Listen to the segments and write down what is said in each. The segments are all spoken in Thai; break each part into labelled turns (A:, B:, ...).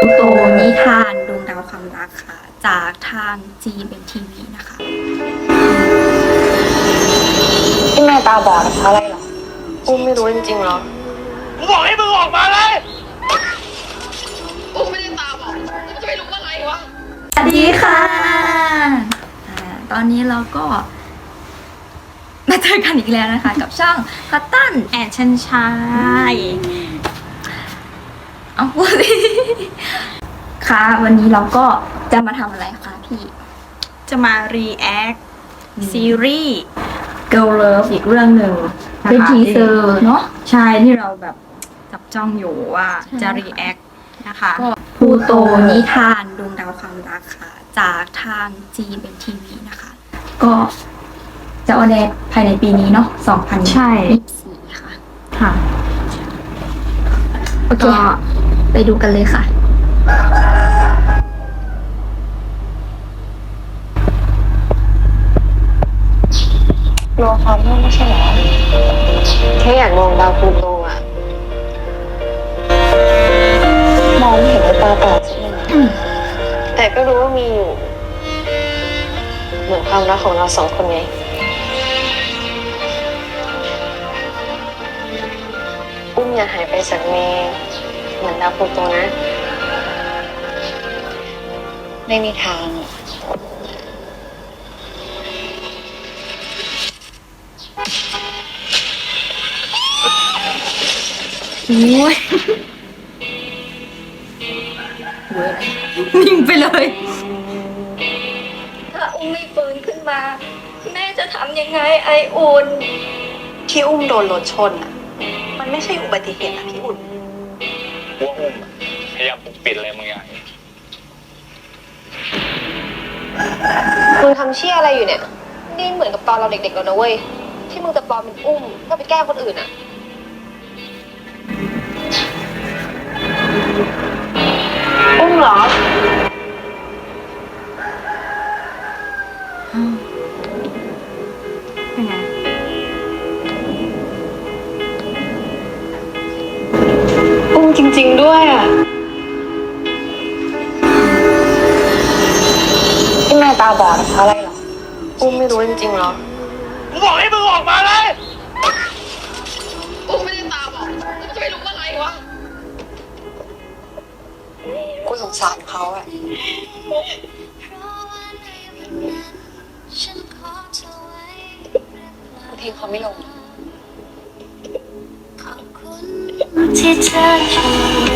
A: โตนิทานดวงดาวความรักค่ะจากทาง GMMTV นะคะ
B: ที่แม่ตาบอดเพราะอะไรหรออุ้มไม่รู้จริงๆหรอ
C: กูบอกให้มึงออกมาเลย
B: อุ้มไม่ได้ตาบอดจะไม่รู้ว่าอะไรวะ
A: สวัสดีค่ะตอนนี้เราก็มาเจอกันอีกแล้วนะคะ กับช่องพัตตันแอนชันชายเอาพูดสิค่ะ วันนี้เราก็จะมาทำอะไรคะพี่
D: จะมา react ซีรีส์
A: Girl Love อีกเรื่องหนึ่งเป็นทีเซอร์เนาะ
D: ใช่ที่เราแบบจับจ้องอยู่ว่าจะ
A: ใช่
D: react นะคะ
A: ก็พลูโตนิทานดวงดาวความรักค่ะจากทาง GMMTV นะคะ ก็จะออนแอร์ภายในปีนี้เนาะ2024
D: ใช่
A: ค่ะ
D: ค่ะ
A: โอเค ไปดูกันเลยค่ะ
B: กลัวความมืดไม่ใช่หรอแค่อยากมองดาวพลูโตอะมองไม่เห็นด้วยตาเปล่าใช่ไหมแต่ก็รู้ว่ามีอยู่ เหมือนความรักของเราสองคนไงอุ้มอย่าหายไปจากเมย์เหมือนดาวพลูโตนะ ไม่มีทาง
D: โอ้ยนิ่งไปเลย
A: ถ้าอุ้มไม่ฟื้นขึ้นมา แม่จะทำยังไงไออุ่น
B: ที่อุ้มโดนรถชนอ่ะ มันไม่ใช่อุบัติเหตุนะพี่อุ่น
C: กูว่าอุ้มพยายามปกปิดอะไรบางอย่าง
B: มึงทำเชี่ยอะไรอยู่เนี่ย นี่เหมือนกับตอนเราเด็กๆแล้วนะเว้ย ที่มึงจะปลอมเป็นอุ้มก็ไปแกล้งคนอื่นอ่ะ อุ้มเหรอ
D: เป็นไง
B: อุ้มจริงๆด้วยอ่ะ ที่แม่ตาบอดเพราะอะไรหรอ อุ้มไม่รู้จริงๆหรอ
C: กูบอกให้มึงออกมาเลย
B: อุ้มไม่ได้ตาบอดจะไม่รู้ว่าอะไรวะ กูสงสารเขาอะกูทิ้งเขาไม่ลง
E: ที่เธออยู่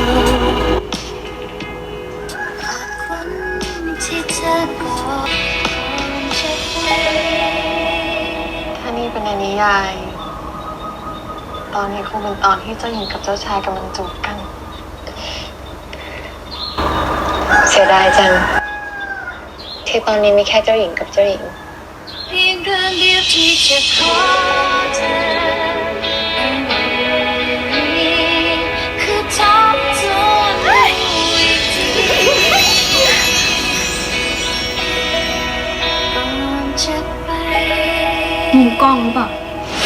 E: ขอบคุณที่เธอกอดฉันไว้
B: ถ้านี่เป็นในนิยาย ตอนนี้คงเป็นตอนที่เจ้าหญิงกับเจ้าชายกำลังจูบกัน เสียดายจัง ที่ตอนนี้มีแค่เจ้าหญิงกับเจ้าหญิง
E: เพียงเรื่องเดียวที่จะขอเธอคือทบทวนดูอีกทีก่อนจะไป
A: หูกล้องหรือเปล่า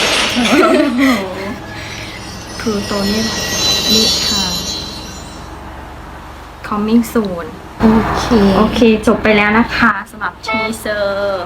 D: คือตัวนี้แหละนิทาน coming soon
A: โอเค
D: โอเคจบไปแล้วนะคะสำหรับทีเซอร์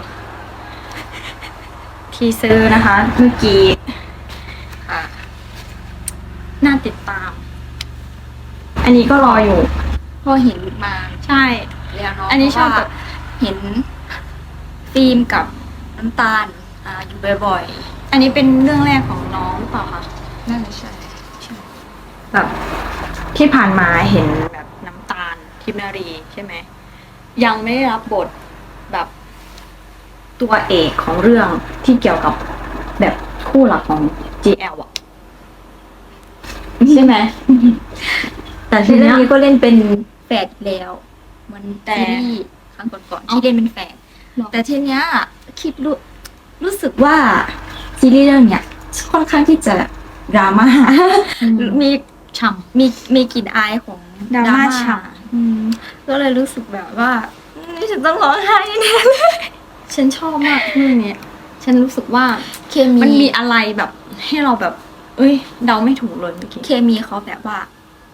D: นะคะ เมื่อกี้ค่ะน่าติดตาม อันนี้ก็รออยู่
A: พอเห็นมา
D: ใช่
A: แล้วเนาะ
D: อันนี้ชอบแบบ
A: เห็นฟิล์มกับน้ำตาลอยู่บ่อย
D: อันนี้เป็นเรื่องแรกของน้องหรือเปล่าคะ
A: ๆน่าจะใช่
D: แบบที่ผ่านมาเห็นแบบน้ำตาลทิพนารีใช่ไหมยังไม่ได้รับบทแบบตัวเอกของเรื่องที่เกี่ยวกับแบบคู่หลักของ GL อ่ะใช่ไหม แต่ที
A: ในเรื่
D: เนี้
A: อง
D: ย
A: นี้ก็เล่นเป็นแฝดอีกแล้วเหมัน
D: แต่
A: ซีรีส์ครั้งก่อนๆที่เล่นเป็นแฝด
D: หรอ
A: แต่ทีเนี้ยคิดรู้สึกว่าซีรีส์เรื่องเนี้ยค่อนข้างที่จะดราม่ามี
D: ฉ่
A: มีกลิ่นอายของ
D: ดราม่าฉ่
A: อืมก็เลยรู้สึกแบบว่านี่ฉันต้องร้องไห้แน่เลย
D: ำฉันชอบมากเรื่องนี้ฉันรู้สึกว่า
A: เคมี
D: มันมีอะไรแบบให้เราแบบ เอ้ยเดาไม่ถูกเลยเมื่อกี้
A: เคมีเขาแบบว่า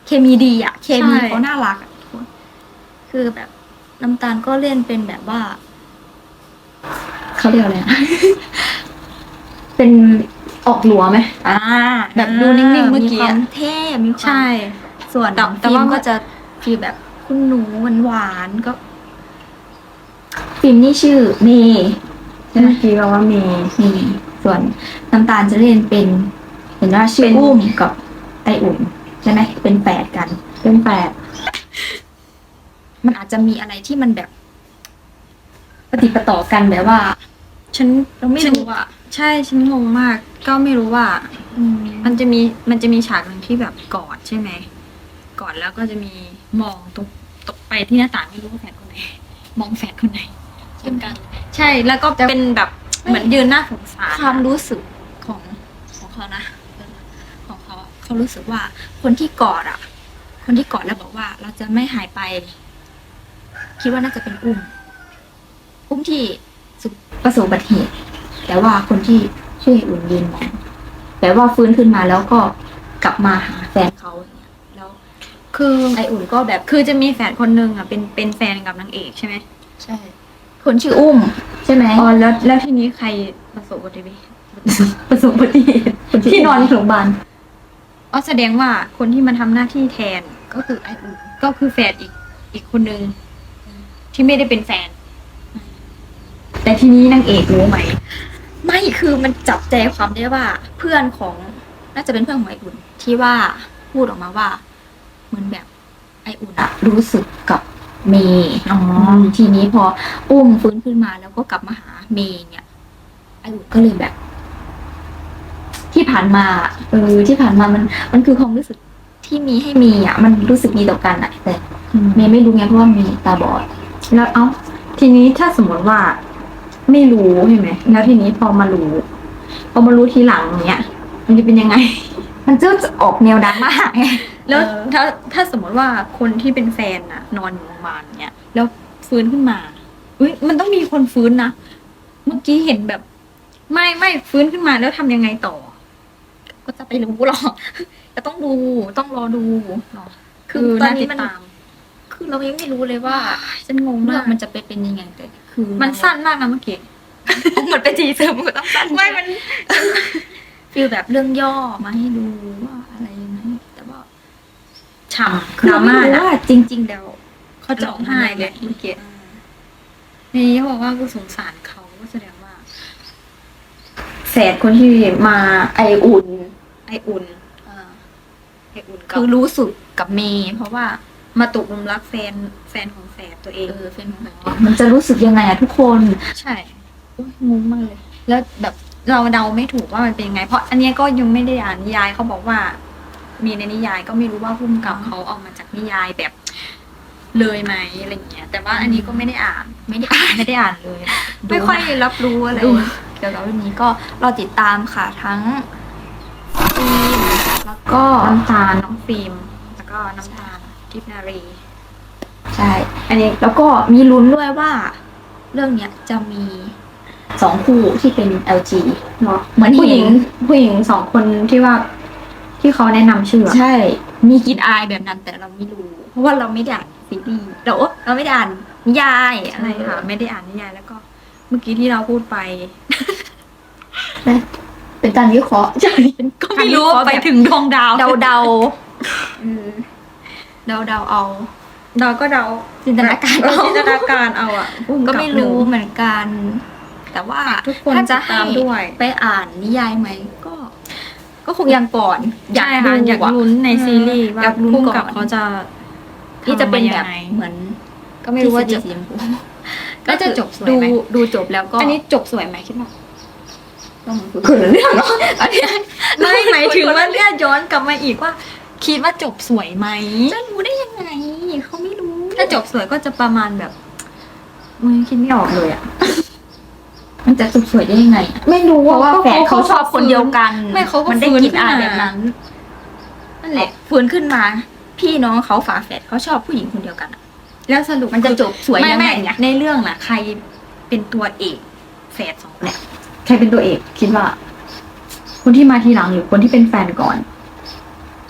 A: เคมีดีอะเคมี
D: ใช่
A: เขาน่ารักอะทุกคนคือแบบน้ำตาลก็เล่นเป็นแบบว่าเขาเรียกอะไรอะ
D: เป็นออกหลัวไหม
A: อ่า
D: แบบดูนิ่งๆเมื่อกี้
A: มีความเท่มีความ
D: ใช่
A: ส่วน
D: แต่
A: ฟิล์
D: ว่าม
A: ก็จะฟีลแบบคุณหนูหวานๆก็ฟิล์มนี่ชื่อเมย์ใช่ไหม
D: เมื่อกี้เราว่ามี
A: ส่วนน้ำตาลจะเล่นเป็นเห็นว่าชื่ออุ้มกับไออุ่นใช่ไหมเป็นแฝดกัน
D: เป็นแฝด
A: มันอาจจะมีอะไรที่มันแบบปฏิดปะต่อกันแบบว่า
D: ฉัน
A: เราไม่รู้อ่ะ
D: ใช่ฉันงงมาก ก็ไม่รู้ว่า มันจะมีฉากหนึ่งที่แบบกอดใช่ไหมกอดแล้วก็จะมีมองตกไปที่หน้าต่างไม่รู้ว่าแฝดคนไหน มองแฝดคนไหนเหมือนกัน ใช่แล้วก็เป็นแบบเหมือนยืนหน้าสงสาร
A: ความรู้สึกของเขานะของเขาอะเขารู้สึกว่าคนที่กอดอ่ะ คนที่กอดแล้วบอกว่าเราจะไม่หายไป คิดว่าน่าจะเป็นอุ้มที่ประสบอุบัติเหตุแต่ว่าคนที่ช่วยอุ่นยืนมองแต่ว่าฟื้นขึ้นมาแล้วก็กลับมาหาแฟนเขาอย่างเงี้ยแล้ว
D: คือ
A: ไออุ่นก็แบบ
D: คือจะมีแฝดคนหนึ่งอ่ะเป็นแฟนกับนางเอกใช่ไหม
A: ใช่ คนชื่ออุ้ม ใช่ไหม
D: อ๋อแล้วทีนี้ใครประสบอุบัติเหตุประสบอุบัติเหตุที่นอนโรงพยาบาลอ๋อแสดงว่าคนที่มาทำหน้าที่แทน
A: ก็คือไออุ่น
D: ก็คือแฝดอีกคนนึงที่ไม่ได้เป็นแฟน แต่ทีนี้นางเอกรู้ไหม
A: ไม่คือมันจับใจความได้ว่าเพื่อนของน่าจะเป็นเพื่อนของไออุ่น ที่ว่าพูดออกมาว่า เหมือนแบบไออุ่นอะรู้สึกกับเมย์
D: อ๋อ
A: ทีนี้พออุ้มฟื้นขึ้นมาแล้วก็กลับมาหาเมย์เนี่ยไออุ่นก็เลยแบบ ที่ผ่านมาที่ผ่านมามันคือความรู้สึกที่มีให้มีอ่ะ มันรู้สึกดีต่อกันอ่ะ แต่เมย์ไม่รู้ไงเพราะว่าเมย์ตาบอด
D: แล้วทีนี้ถ้าสมมติว่าไม่รู้ใช่ไหมแล้วทีนี้พอมารู้ทีหลังเนี้ยมันจะเป็นยังไง
A: มันจะออกแนวดราม่าไง
D: แล้วถ้าสมมติว่าคนที่เป็นแฟนน่ะ นอนอยู่โรงพยาบาลเนี้ยแล้วฟื้นขึ้นมาอุ้ยมันต้องมีคนฟื้นนะเมื่อกี้เห็นแบบ ไม่ฟื้นขึ้นมาแล้วทำยังไงต่อ
A: ก็จะไปรู้หรอก แต่ต้องรอดูเนาะคือตอน
D: น่า
A: นี้
D: ติด
A: มัน
D: ตาม
A: คือเรายังไม่รู้เลยว่า
D: ฉันงง
A: เรื่
D: มา
A: อก งมันจะไปเป็นยังไงแต่คือ
D: มันสั้นมากนะเมื่อกี้
A: เหมือนเป็นทีเซอร์มันก็ต้องสั้น
D: ไม่มัน
A: ฟีลแบบเรื่องย่อมาให้ดูว่าอะไรยังไงแต่ว่า
D: ฉ่ำ
A: คือ
D: ดรา
A: เราไม่
D: ม่า
A: รู้
D: นะ
A: ว่าจริง ๆ แล้ว
D: เขาจะร้องไห้เลยเมื่อกี้นี่เขาบอกว่ากูสงสารเขาก็แสดงว่าแฝดคนที่มาไออุ่นกับ
A: คือรู้สึกกับเมย์เพราะว่า
D: มาตกหลุมรักแฟนของแฝดตัวเอง
A: แฟนของแบบมันจะรู้สึกยังไงอะทุกคน
D: ใช่โอ๊ยงงมากเลย แล้วแบบเราเดาไม่ถูกว่ามันเป็นยังไง เพราะอันเนี้ยก็ยังไม่ได้อ่านนิยายเขาบอกว่า มีในนิยายก็ไม่รู้ว่าพุ่มกับเขาเอามาจากนิยายแบบ เลยไหมอะไรเงี้ย แต่ว่าอันนี้ก็ไม่ได้อ่าน ไม่ได้อ่านเลย ไม่ค่อยรับรู้อะไร
A: ดูเกี่ยวกับเรื่องนี้ก็เราติดตามค่ะทั้งฟิล์มแล้วก็
D: น้ำตาลน้องฟิล์มแล้วก็น้ำตาลทิพย์นารี
A: ใช่ อันนี้แล้วก็มีลุ้นด้วยว่า เรื่องเนี้ยจะมี2 คู่ที่เป็น LG
D: เนาะ
A: เหมือน
D: ผู้ห
A: เห็
D: ญิ
A: น
D: ง2 คนที่ว่าที่เขาแนะนำชื่ออะ
A: ใช่ มีกลินอายแบบนั้นแต่เราไม่รู้ เพราะว่าเราไม่ได้อ่านซีรีส์เราไม่ได้อ่านนิยายอะ
D: อะไร ไร
A: ค่ะ
D: ค่ะ ไม่ได้อ่านนิยายแล้วก็ เมื่อกี้ที่เราพูดไป
A: เป็นการวิเคราะห์ใช่
D: ก็ไม่รู้ว่าไปถึงดวงดาว
A: เดาเดาเอา
D: เราก็เดา
A: จินตนาการเอา
D: จินตนาการเอาอ่ะ
A: ก็ไม่รู้เหมือนกัน แต่ว่า
D: ทุกคน
A: ถ้าจะ
D: ติดตามด้วย
A: ไปอ่านนิยายไหมก็คงยังก่อน
D: ใช่ค่ะอยากลุ้นในซีรีส์ว่า
A: อยากลุ้น
D: พุ่ม
A: ก่อน
D: กับเขาจะ
A: ที่จะเป็นแบบ
D: ทำมายังไง
A: เหมือน
D: ก็ไม่รู้ว่าจะ
A: สีชมพู
D: ก็จะจบสวย
A: ดู
D: ไหม
A: ดูจบแล้วก็
D: อันนี้จบสวยไหมคิดว่า
A: ต้องคนละเรื่องเนาะอันนี้
D: ไม่หมายถึงว่าเนี่ยย้อนกลับมาอีกว่า คิดว่าจบสวยไหม
A: จะรู้ได้ยังไงเขาไม่รู้
D: ถ้าจบสวยก็จะประมาณแบบคิดไม่ออกเลยอ่ะ
A: มันจะจบสวยได้ยังไงอะ
D: ไม่รู้
A: เพราะว่าแฝดเขาชอบคนเดียวกัน
D: ไม่เขาก็
A: มันได้
D: ฟื้น
A: กลินอาย
D: ขึ้นมา
A: แบบนั้น
D: นั่นแหละ
A: ฟื้นขึ้นมา พี่น้องเขาฝาแฝดเขาชอบผู้หญิงคนเดียวกันอะ
D: แล้วสรุป
A: มันจะจบสวยยังไงเนี่ย
D: ในเรื่องน่ะ ใครเป็นตัวเอกแฝด2คนเนี่ยใครเป็นตัวเอกคิดว่า คนที่มาทีหลังหรือคนที่เป็นแฟนก่อน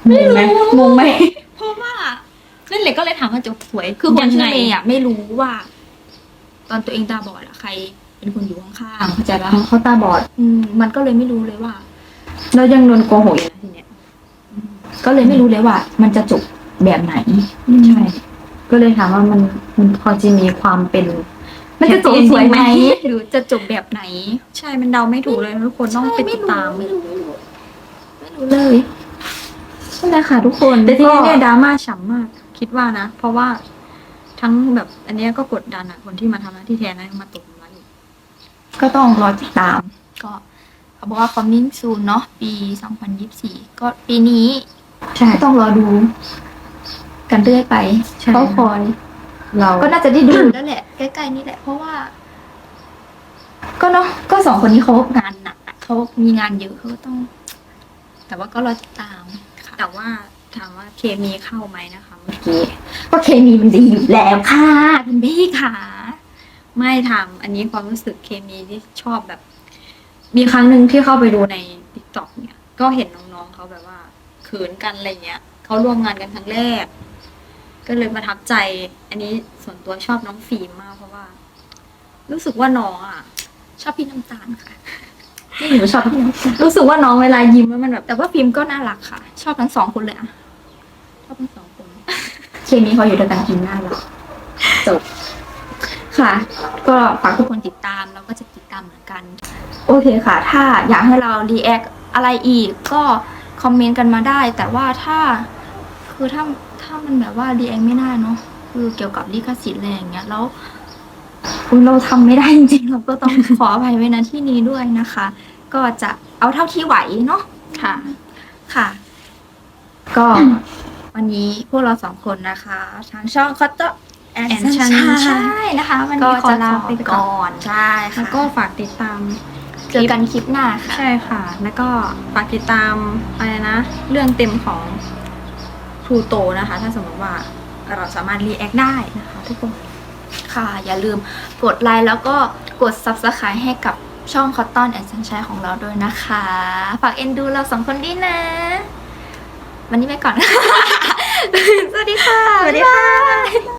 D: งงไหมงงไหม
A: เพราะว่านั่นแหละก็เลยถามว่าจบสวย คือคนชื่อเมย์อ่ะไม่รู้ว่า ตอนตัวเองตาบอดอะใครเป็นคนอยู่ข้างๆเข้าใจปะ
D: เขาตาบอด
A: มันก็เลยไม่รู้เลยว่า
D: แล้วยังโดนโกหกอีกนะทีเนี้ย
A: ก็เลยไม่รู้เลยว่า มันจะจบแบบไหน
D: ใช่ ก็เลยถามว่ามันพอจะมีความเป็น
A: มันจะจบสวยไหม
D: happy ending
A: หรือจะจบแบบไหน
D: ใช่ มันเดาไม่ถูกเลยทุกคนต้องไปติดตาม
A: ไม่รู้เลย
D: นั่นแหละค่ะทุกคนแต่ทีนี้เนี่ยดราม่าฉ่ำมาก คิดว่านะ เพราะว่าทั้งแบบอันเนี้ยก็กดดันอะคนที่มาทำหน้าที่แทนนะมาตกมาอีก
A: ก็ต้องรอติดตาม ก็เขาบอกว่า coming soon เนาะปี 2024 ก็ปีนี้
D: ใช่
A: ก็ต้องรอดู กันเรื่อยไป
D: ใช่
A: เขาคอย
D: เรา
A: ก็น่าจะได้ดูแล้วแหละ ใกล้ๆนี่แหละ เพราะว่า ก็เนาะก็สองคนนี้เขางานหนักอะเขามีงานเยอะเขาก็ต้อง แต่ว่าก็รอติดตามค่ะ
D: แต่ว่าถามว่าเคมีเข้าไหมนะคะเมื่อกี้
A: ก็เคมีมันดีอยู่แล้วค่ะคุณพี่ค่ะ
D: ไม่ถามอันนี้ความรู้สึกเคมีที่ชอบแบบ มีครั้งหนึ่งที่เข้าไปดูใน TikTok เนี่ย ก็เห็นน้องๆเขาแบบว่าเขินกันอะไรเงี้ยเขาร่วมงานกันครั้งแรก ก็เลยประทับใจ อันนี้ส่วนตัวชอบน้องฟิล์มมากเพราะว่า รู้สึกว่าน้องอ่ะ
A: ชอบพี่น้ำตาลค่ะ
D: นี่หนูชอบรู้สึกว่าน้องเวลายิ้มแล้วมันแบบ
A: แต่ว่าฟิล์มก็น่ารักค่ะ ชอบทั้งสองคนเลยอะชอบทั้งสองคน เคมีเขาอยู่ด้วยกันกินน่ารักจบค่ะ ก็ฝากทุกคนติดตามเราก็จะติดตามเหมือนกัน โอเคค่ะ ถ้าอยากให้เรารีแอคอะไรอีก ก็คอมเมนต์กันมาได้ แต่ว่าคือถ้ามันแบบว่ารีแอคไม่ได้เนาะคือเกี่ยวกับลิขสิทธิ์อะไรอย่างเงี้ยแล้วเราทำไม่ได้จริงๆเราก็ต้อง ขออภัยไว้ณที่นี้ด้วยนะคะ ก็จะเอาเท่าที่ไหวเนาะ
D: ค่ะ
A: ค่ะ ก็ วันนี้พวกเราสองคนนะคะ ทางช่องคอตเตอร์แอน
D: and
A: ชัน
D: Sunshine
A: ใช่นะคะ วัน
D: ก็
A: นี้ขอ
D: จะ
A: ลา
D: ลา
A: ไป
D: ไป
A: ก่
D: ก่
A: อ
D: อน น
A: ใช่ค่ะ
D: แล้วก็ฝากติดตาม
A: เจอกันคลิปหน้าค่ะ
D: ใช่ค่ะ แล้วก็ฝากติดตามอะไรนะ เรื่องเต็มของพลูโตนะคะ ถ้าสมมติว่าเราสามารถรีแอคได้นะคะทุกคน
A: ค่ะ อย่าลืมกดไลค์แล้วก็กด Subscribe ให้กับช่อง Cotton and Sunshine ของเราด้วยนะคะ ฝากเอ็นดูเราสองคนด้วยนะ วันนี้ไปก่อน สวัสดีค่ะ
D: สวัสดีค่ะ
A: บ๊ายบาย